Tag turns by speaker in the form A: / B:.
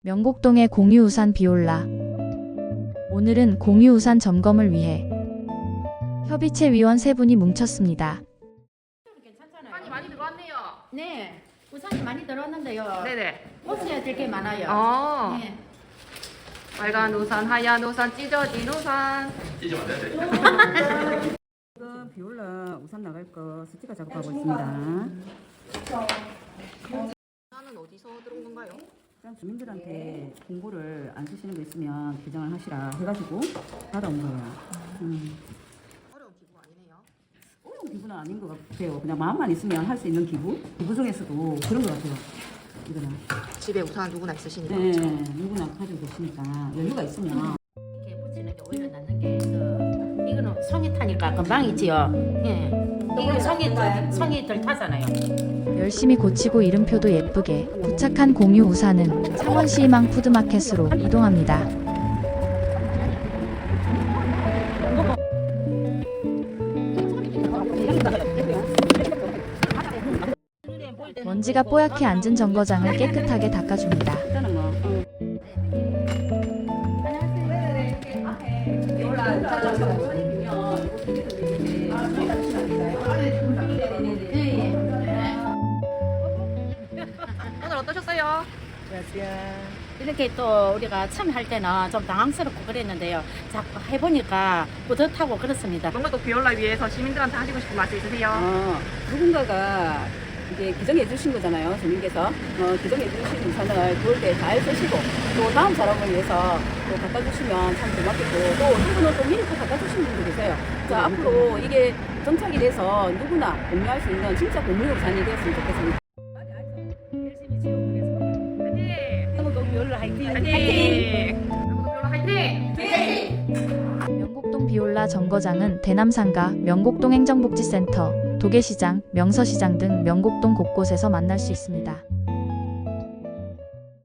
A: 명곡동의 공유우산 비올라. 오늘은 공유우산 점검을 위해 협의체 위원 3분이 뭉쳤습니다.
B: 우산이 많이 들어왔네요.
C: 네, 우산이 많이 들었는데요.
B: 네네.
C: 고쳐야 될 게 많아요.
B: 네.
C: 네.
B: 빨간 우산, 하얀 우산, 찢어진 우산.
D: 찢으면 안 되는데.
E: 지금 비올라 우산 나갈 거 스티커 작업하고 있습니다.
B: 우산은 어디서 들어온 건가요?
E: 일단 주민들한테 공고를 안 쓰시는 거 있으면 개정을 하시라 해가지고 받아온 거예요.
B: 어려운 기구가 아니네요.
E: 어려운 기부는 아닌 것 같아요. 그냥 마음만 있으면 할 수 있는 기부? 기부 중에서도 그런 것 같아요. 이거는.
B: 집에 우산 누구나 있으시니까.
E: 네,
B: 그렇죠?
E: 누구나 가지고 계시니까 여유가 있으면.
C: 이렇게 붙이는 게 오히려 낫는 게 이거는 송이 타니까 금방 있지요. 예. 이거 송이 덜 타잖아요.
A: 열심히 고치고 이름표도 예쁘게 부착한 공유우산은 창원시희망 푸드마켓으로 이동합니다. 먼지가 뽀얗게 앉은 정거장을 깨끗하게 닦아줍니다.
E: 일단은 뭐.
B: 오늘 어떠셨어요?
C: 이렇게 또 우리가 처음 할 때는 좀 당황스럽고 그랬는데요. 자꾸 해보니까 뿌듯하고 그렇습니다.
B: 명곡동 비올라 위해서 시민들한테 하시고 싶은 말씀 있으세요?
E: 누군가가 이제 기증해 주신 거잖아요, 주민께서. 기증해 주신 우산을 그럴 때 잘 쓰시고, 또 다음 사람을 위해서 또 갖다 주시면 참 고맙겠고, 또 이분은 또 미리 또 갖다 주시는 분도 계세요. 자, 앞으로 이게 정착이 돼서 누구나 공유할 수 있는 진짜 공유 우산이 되었으면 좋겠습니다. 열심히 지원하겠습니다. 명곡동 비올라 화이팅!
B: 화이팅! 명곡동 비올라 화이팅!
A: 명곡동 비올라 정거장은 대남상가, 명곡동 행정복지센터, 도계시장, 명서시장 등 명곡동 곳곳에서 만날 수 있습니다.